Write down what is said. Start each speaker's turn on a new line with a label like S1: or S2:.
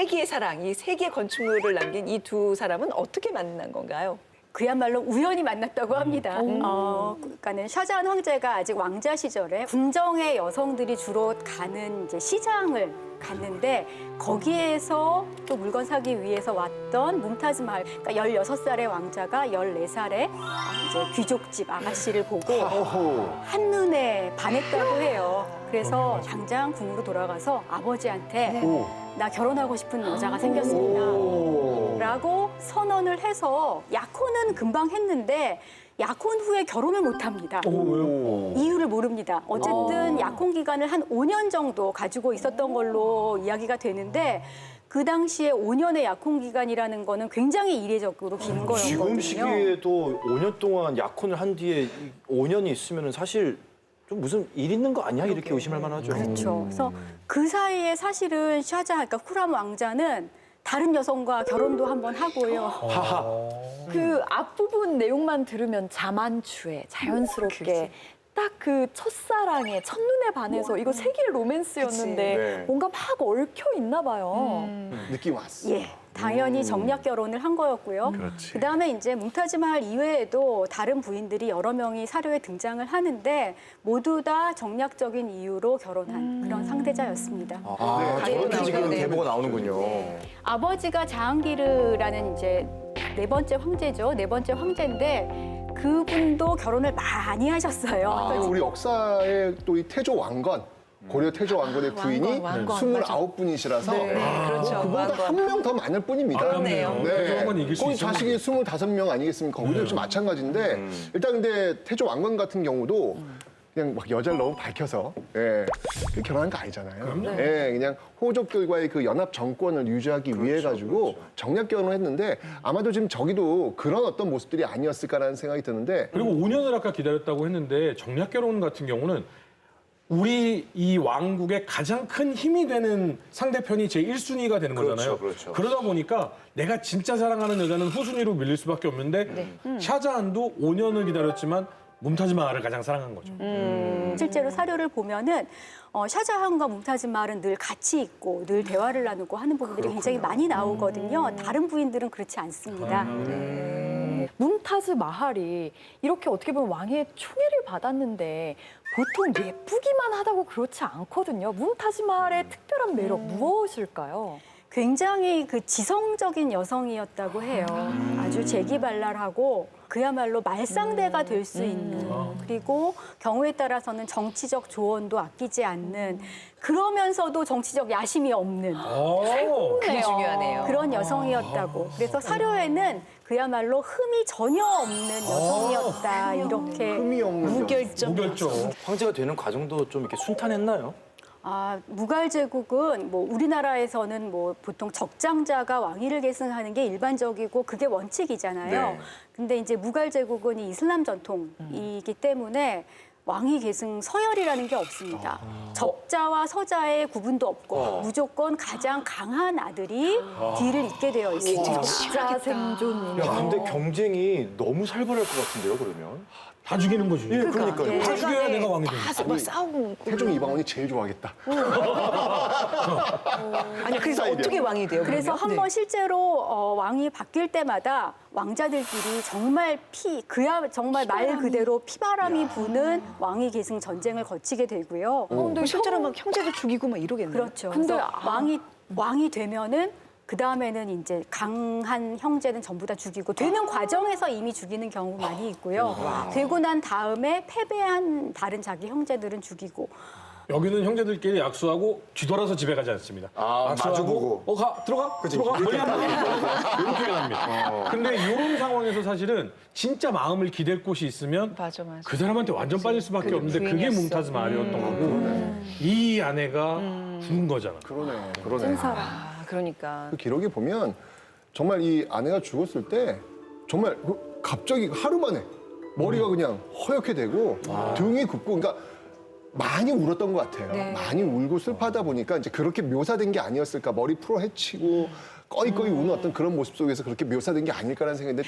S1: 세기의 사랑, 이 세기의 건축물을 남긴 이 두 사람은 어떻게 만난 건가요?
S2: 그야말로 우연히 만났다고 합니다. 그러니까는 샤자한 황제가 아직 왕자 시절에 궁정의 여성들이 주로 가는 이제 시장을 갔는데 거기에서 또 물건 사기 위해서 왔던 뭄타즈 마할, 그러니까 16살의 왕자가 14살의 이제 귀족집 아가씨를 보고 한눈에 반했다고 해요. 그래서 당장 궁으로 돌아가서 아버지한테 나 결혼하고 싶은 여자가 생겼습니다. 라고 선언을 해서 약혼은 금방 했는데 약혼 후에 결혼을 못 합니다. 이유를 모릅니다. 어쨌든 약혼 기간을 한 5년 정도 가지고 있었던 걸로 이야기가 되는데 그 당시에 5년의 약혼 기간이라는 거는 굉장히 이례적으로 긴 거였거든요.
S3: 지금 시기에도 5년 동안 약혼을 한 뒤에 5년이 있으면 사실 좀 무슨 일 있는 거 아니야? 이렇게 의심할 만하죠.
S2: 그렇죠. 그래서 그 사이에 사실은 샤자, 그러니까 후람 왕자는 다른 여성과 결혼도 한번 하고요.
S1: 그 앞부분 내용만 들으면 자만추에 자연스럽게 딱 그 첫사랑에 첫눈에 반해서 이거 세기의 로맨스였는데
S3: 네.
S1: 뭔가 막 얽혀 있나 봐요.
S4: 느낌 왔어.
S2: 예, 당연히 정략 결혼을 한 거였고요. 그다음에 이제 뭉타즈 마할 이외에도 다른 부인들이 여러 명이 사료에 등장을 하는데 모두 다 정략적인 이유로 결혼한 그런 상대자였습니다.
S3: 저렇게 지금 계보가 나오는군요.
S2: 아버지가 자항기르라는 이제 네 번째 황제죠. 네 번째 황제인데 그분도 결혼을 많이 하셨어요.
S4: 그리고 우리 역사에 또 이 태조 왕건, 고려 태조 왕건의 부인이
S1: 왕건,
S4: 29분이시라서
S1: 그렇죠.
S4: 그보다 한 명 더 많을 뿐입니다.
S1: 그러네요.
S5: 태조 왕건 이길 수
S4: 거기
S5: 있었는데.
S4: 자식이 25명 아니겠습니까? 거기도 역시 마찬가지인데 일단 근데 태조 왕건 같은 경우도 그냥 막 여자를 너무 밝혀서 결혼한 거 아니잖아요. 그냥 호족들과의 그 연합 정권을 유지하기 위해 가지고 정략 결혼을 했는데 아마도 지금 저기도 그런 어떤 모습들이 아니었을까라는 생각이 드는데
S5: 그리고 5년을 아까 기다렸다고 했는데 정략 결혼 같은 경우는 우리 이 왕국의 가장 큰 힘이 되는 상대편이 제 1순위가 되는 거잖아요.
S3: 그렇죠.
S5: 그러다 보니까 내가 진짜 사랑하는 여자는 후순위로 밀릴 수밖에 없는데 샤자한도 5년을 기다렸지만 뭄타즈 마할을 가장 사랑한 거죠.
S2: 실제로 사료를 보면은 샤자한과 뭉타즈 마할은 늘 같이 있고 늘 대화를 나누고 하는 부분들이 굉장히 많이 나오거든요. 다른 부인들은 그렇지 않습니다.
S1: 뭉타즈 마할이 이렇게 어떻게 보면 왕의 총애를 받았는데 보통 예쁘기만 하다고 그렇지 않거든요. 뭉타즈 마할의 특별한 매력 무엇일까요?
S2: 굉장히 그 지성적인 여성이었다고 해요. 아주 재기발랄하고 그야말로 말상대가 될 수 있는 그리고 경우에 따라서는 정치적 조언도 아끼지 않는 그러면서도 정치적 야심이 없는
S1: 그게 중요하네요.
S2: 그런 여성이었다고. 그래서 사료에는 그야말로 흠이 전혀 없는 여성이었다 이렇게
S4: 흠이 없는
S1: 무결점.
S5: 무결점.
S3: 황제가 되는 과정도 좀 이렇게 순탄했나요?
S2: 무갈 제국은 뭐 우리나라에서는 뭐 보통 적장자가 왕위를 계승하는 게 일반적이고 그게 원칙이잖아요.
S3: 네.
S2: 근데 이제 무갈 제국은 이 이슬람 전통이기 때문에 왕위 계승 서열이라는 게 없습니다. 적자와 서자의 구분도 없고 무조건 가장 강한 아들이 뒤를 잇게 되어 있습니다.
S1: 적자 생존.
S3: 야, 근데 경쟁이 너무 살벌할 것 같은데요, 그러면?
S5: 다 죽이는 거지.
S3: 예, 그러니까요.
S5: 다 죽여야 내가 왕이 되는
S1: 막 싸우고.
S4: 태종 이방원이 제일 좋아하겠다.
S1: 아니 그래서 어떻게 왕이 돼요?
S2: 그래서
S1: 그러면?
S2: 한번 실제로 왕이 바뀔 때마다 왕자들끼리 정말 정말 말 그대로 피바람이 부는 왕위 계승 전쟁을 거치게 되고요.
S1: 근데 실제로 막 형제도 죽이고 막 이러겠네요.
S2: 그렇죠.
S1: 근데
S2: 그래서 왕이 되면은 그 다음에는 이제 강한 형제는 전부 다 죽이고 되는 과정에서 이미 죽이는 경우 많이 있고요. 되고 난 다음에 패배한 다른 자기 형제들은 죽이고.
S5: 여기는 형제들끼리 약수하고 뒤돌아서 집에 가지 않습니다.
S3: 마주보고.
S5: 들어가. 멀리 안 가. 이렇게 갑니다. 근데 이런 상황에서 사실은 진짜 마음을 기댈 곳이 있으면
S1: 맞아.
S5: 그 사람한테 완전 빠질 수밖에 없는데 그게
S1: 부인이었어.
S5: 뭉타즈 마할이었던 거고 이 아내가 죽은 거잖아.
S4: 그러네.
S1: 그러니까.
S4: 그 기록에 보면 정말 이 아내가 죽었을 때 정말 갑자기 하루 만에 머리가 그냥 허옇게 되고 등이 굽고 그러니까 많이 울었던 것 같아요. 많이 울고 슬퍼하다 보니까 이제 그렇게 묘사된 게 아니었을까. 머리 풀어 헤치고 꺼이꺼이 우는 어떤 그런 모습 속에서 그렇게 묘사된 게 아닐까라는 생각인데